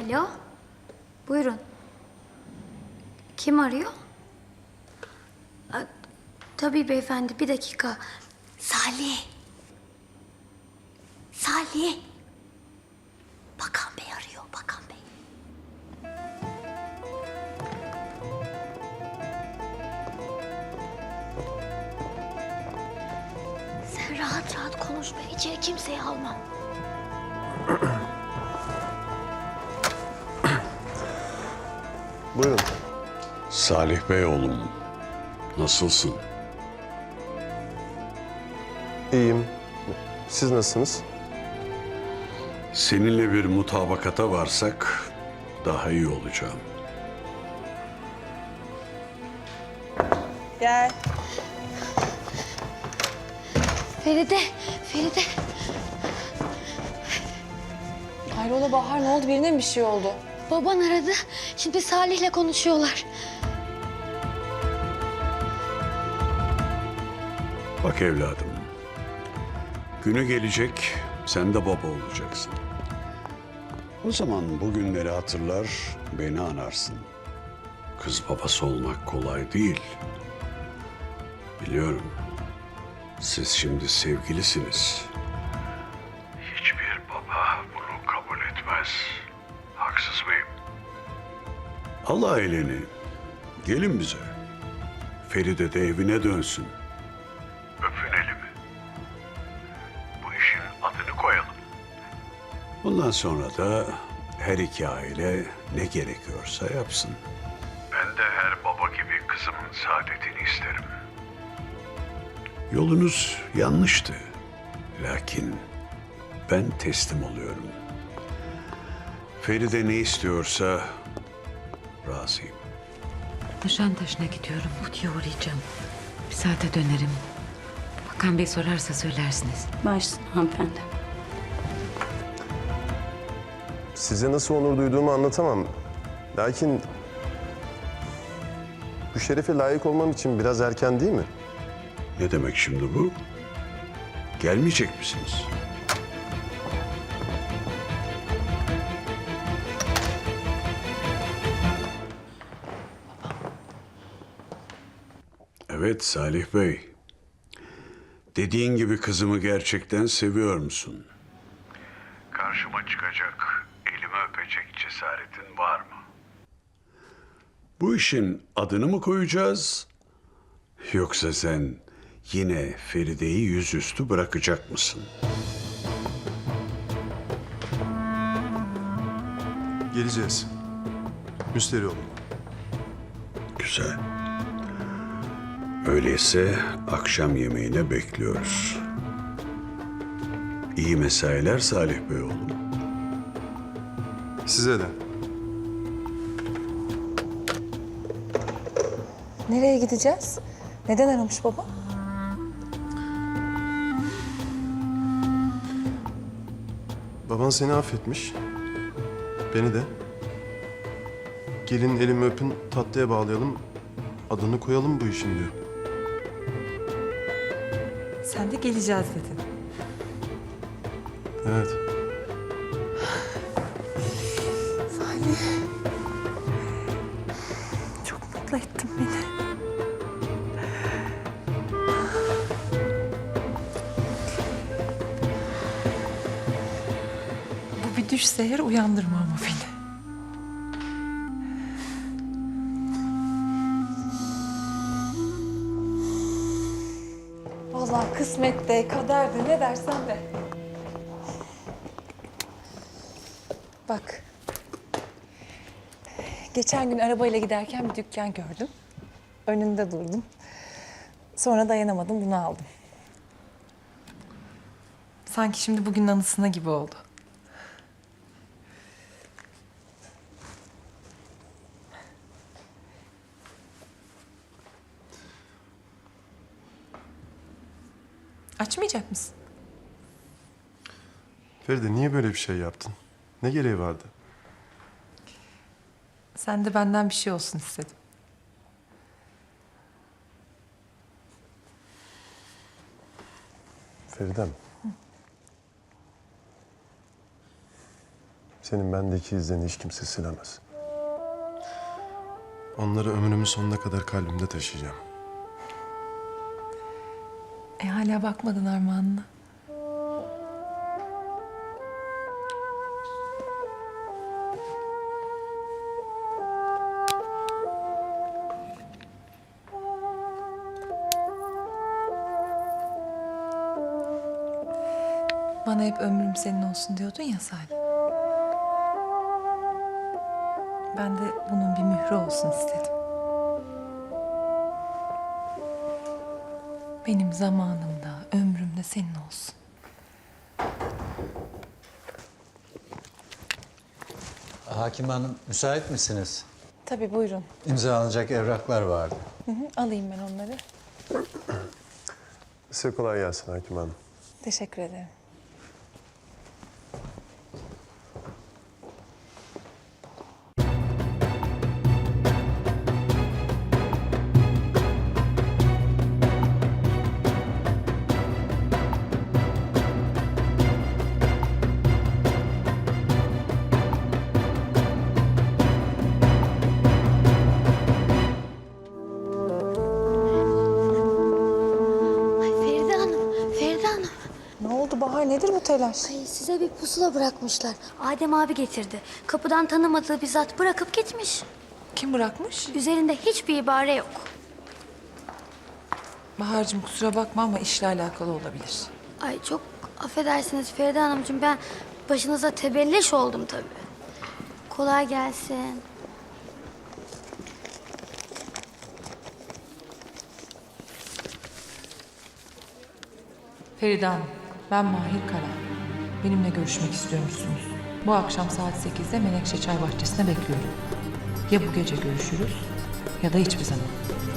Alo. Buyurun. Kim arıyor? Tabii beyefendi, bir dakika. Salih. Salih. Bakan Bey arıyor, Bakan Bey. Sen rahat rahat konuş, ben içeri kimseyi almam. Buyurun. Salih Bey oğlum, nasılsın? İyiyim. Siz nasılsınız? Seninle bir mutabakata varsak daha iyi olacağım. Gel. Feride, Feride. Hayrola Bahar, ne oldu? Birine mi bir şey oldu? Baban aradı. Şimdi Salih'le konuşuyorlar. Bak evladım, günü gelecek sen de baba olacaksın. O zaman bu günleri hatırlar, beni anarsın. Kız babası olmak kolay değil. Biliyorum. Siz şimdi sevgilisiniz. Hiçbir baba bunu kabul etmez. Haksız mıyım? Al aileni. Gelin bize. Feride de evine dönsün. Öpün elimi. Bu işin adını koyalım. Bundan sonra da her iki aile ne gerekiyorsa yapsın. Ben de her baba gibi kızımın saadetini isterim. Yolunuz yanlıştı. Lakin ben teslim oluyorum. Feride ne istiyorsa razıyım. Nişantaşı'na gidiyorum. Huti'ye uğrayacağım. Bir saate dönerim. Bakan Bey sorarsa söylersiniz. Başsın hanımefendi. Size nasıl onur duyduğumu anlatamam. Lakin bu şerefe layık olmam için biraz erken değil mi? Ne demek şimdi bu? Gelmeyecek misiniz? Evet Salih Bey. Dediğin gibi kızımı gerçekten seviyor musun? Karşıma çıkacak, elimi öpecek cesaretin var mı? Bu işin adını mı koyacağız? Yoksa sen yine Feride'yi yüzüstü bırakacak mısın? Geleceğiz. Müsterih olun. Güzel. Öyleyse akşam yemeğine bekliyoruz. İyi mesailer Salih Bey oğlum. Size de. Nereye gideceğiz? Neden aramış baba? Baban seni affetmiş. Beni de. Gelin elimi öpün, tatlıya bağlayalım. Adını koyalım bu işin diyor. Sen de geleceğiz dedin. Evet. Salih. Çok mutlu ettin beni. Bu bir düşse eğer uyandırma ama beni. Vallahi kısmette, kaderde ne dersen de. Bak. Geçen gün arabayla giderken bir dükkan gördüm. Önünde durdum. Sonra dayanamadım, bunu aldım. Sanki şimdi bugünün anısına gibi oldu. Açmayacak mısın? Feride niye böyle bir şey yaptın? Ne gereği vardı? Sen de benden bir şey olsun istedim. Feridem. senin bendeki izlerini hiç kimse silemez. Onları ömrümün sonuna kadar kalbimde taşıyacağım. Hala bakmadın armağanına. Bana hep ömrüm senin olsun diyordun ya Salih. Ben de bunun bir mührü olsun istedim. Benim zamanımda, ömrümde senin olsun. Hakim Hanım, müsait misiniz? Tabii buyurun. İmzalanacak evraklar vardı. Alayım ben onları. Size kolay gelsin Hakim Hanım. Teşekkür ederim. Ay Feride Hanım, Feride Hanım. Ne oldu Bahar? Nedir bu telaş? Ay size bir pusula bırakmışlar. Adem abi getirdi. Kapıdan tanımadığı bir zat bırakıp gitmiş. Kim bırakmış? Üzerinde hiçbir ibare yok. Bahar'cığım kusura bakma ama işle alakalı olabilir. Ay çok affedersiniz Feride Hanımcığım. Ben başınıza tebelleş oldum tabii. Kolay gelsin. Feride Hanım, ben Mahir Kara. Benimle görüşmek istiyormuşsunuz. Bu akşam saat 8'de Menekşe Çay Bahçesi'ne bekliyorum. Ya bu gece görüşürüz ya da hiçbir zaman.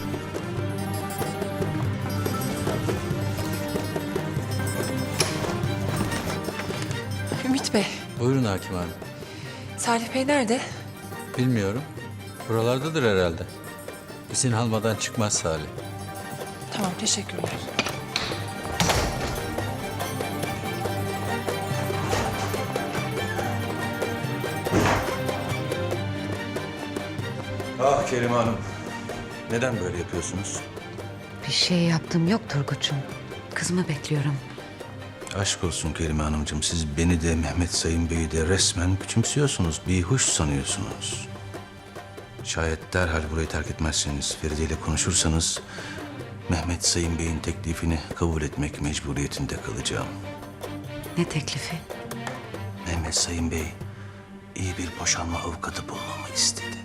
Ümit Bey, Buyurun Hakim Hanım. Salih Bey nerede? Bilmiyorum. Buralardadır herhalde. İzin almadan çıkmaz Salih. Tamam, teşekkürler. Ah Kerime Hanım. Neden böyle yapıyorsunuz? Bir şey yaptım yok Turgut'cum. Kızımı bekliyorum. Aşk olsun Kerime Hanımcığım. Siz beni de Mehmet Sayın Bey'i de resmen küçümsüyorsunuz. Bir hoş sanıyorsunuz. Şayet derhal burayı terk etmezseniz, Feride ile konuşursanız... Mehmet Sayın Bey'in teklifini kabul etmek mecburiyetinde kalacağım. Ne teklifi? Mehmet Sayın Bey iyi bir boşanma avukatı bulmamı istedi.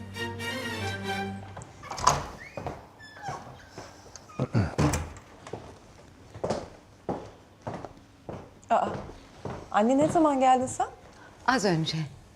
Anne ne zaman geldin sen? Az önce.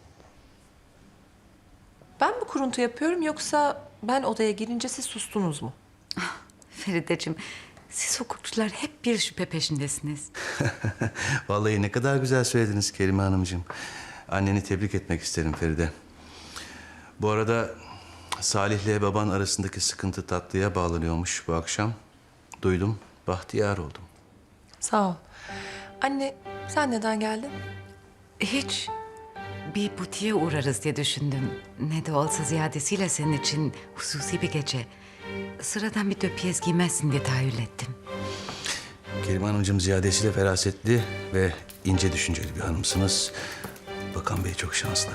Ben mi kuruntu yapıyorum yoksa ben odaya girince siz sustunuz mu? Ferideciğim, siz hukukçular hep bir şüphe peşindesiniz. Vallahi ne kadar güzel söylediniz Kerime Hanımcığım. Anneni tebrik etmek isterim Feride. Bu arada Salih'le baban arasındaki sıkıntı tatlıya bağlanıyormuş bu akşam. Duydum, bahtiyar oldum. Sağ ol. Anne sen neden geldin? Hiç. Bir butiğe uğrarız diye düşündüm. Ne de olsa ziyadesiyle senin için hususi bir gece. Sıradan bir döpiyez giymezsin diye tahayyül ettim. Kerime Hanımcığım ziyadesiyle ferasetli ve ince düşünceli bir hanımsınız. Bakan Bey çok şanslı.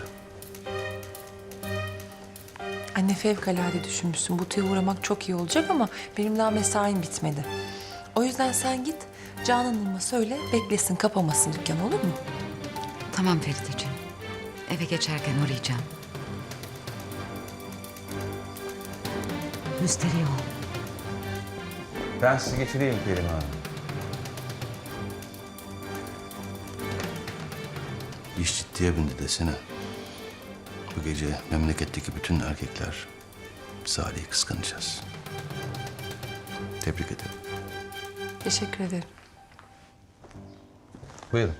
Anne fevkalade düşünmüşsün. Butiğe uğramak çok iyi olacak ama benim daha mesaim bitmedi. O yüzden sen git Canan Hanım'a söyle beklesin kapamasın dükkanı olur mu? Tamam Ferideciğim. Eve geçerken uğrayacağım. Müsterih ol. Ben sizi geçireyim Kerime Hanım. İş ciddiye bindi desene. Bu gece memleketteki bütün erkekler Salih'i kıskanacağız. Tebrik ederim. Teşekkür ederim. Buyurun.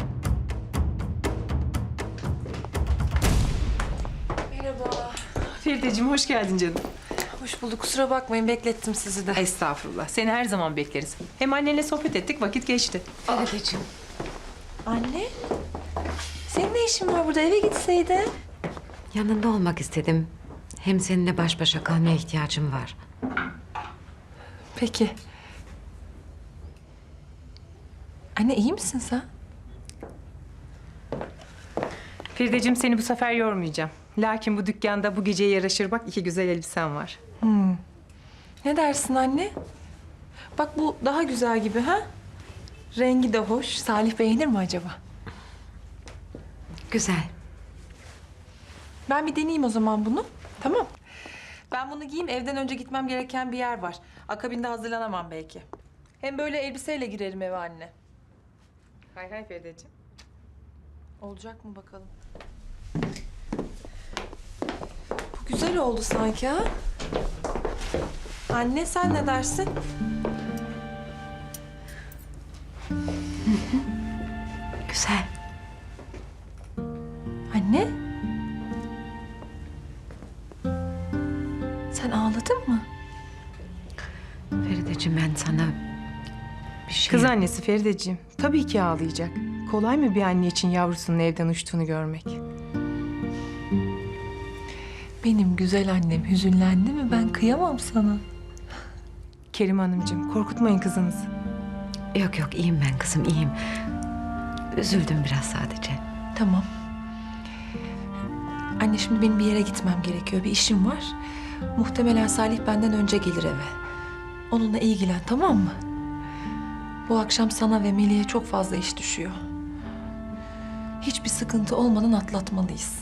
Merhaba. Ferideciğim hoş geldin canım. Hoş bulduk. Kusura bakmayın beklettim sizi de. Estağfurullah. Seni her zaman bekleriz. Hem annenle sohbet ettik, vakit geçti. Ferideciğim. Anne. Senin ne işin var burada? Eve gitseydin. Yanında olmak istedim. Hem seninle baş başa kalmaya ihtiyacım var. Peki. Anne iyi misin sen? Ferideciğim seni bu sefer yormayacağım. Lakin bu dükkanda bu geceye yaraşır bak 2 güzel elbisen var. Ne dersin anne? Bak bu daha güzel gibi ha? Rengi de hoş. Salih beğenir mi acaba? Güzel. Ben bir deneyeyim o zaman bunu. Tamam. Ben bunu giyeyim. Evden önce gitmem gereken bir yer var. Akabinde hazırlanamam belki. Hem böyle elbiseyle girerim eve anne. Hay hay Ferideciğim. Olacak mı bakalım? Bu güzel oldu sanki ha? Anne sen ne dersin? Güzel. Anne? Sen ağladın mı? Ferideciğim ben sana bir şey... Kız annesi Ferideciğim. Tabii ki ağlayacak. Kolay mı bir anne için yavrusunun evden uçtuğunu görmek? Benim güzel annem hüzünlendi mi ben kıyamam sana. Kerim Hanımcığım korkutmayın kızınızı. Yok yok iyiyim ben kızım iyiyim. Üzüldüm biraz sadece. Tamam. Anne şimdi benim bir yere gitmem gerekiyor. Bir işim var. Muhtemelen Salih benden önce gelir eve. Onunla ilgilen tamam mı? Bu akşam sana ve Melih'e çok fazla iş düşüyor. Hiçbir sıkıntı olmadan atlatmalıyız.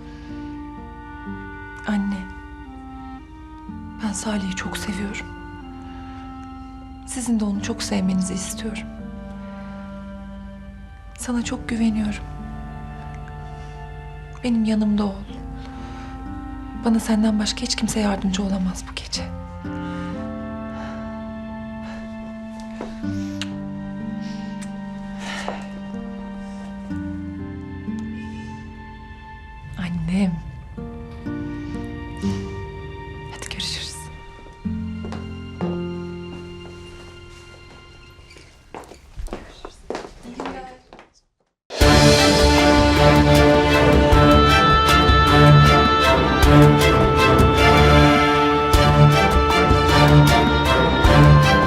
Anne. Ben Salih'i çok seviyorum. Sizin de onu çok sevmenizi istiyorum. Sana çok güveniyorum. Benim yanımda ol. Bana senden başka hiç kimse yardımcı olamaz bu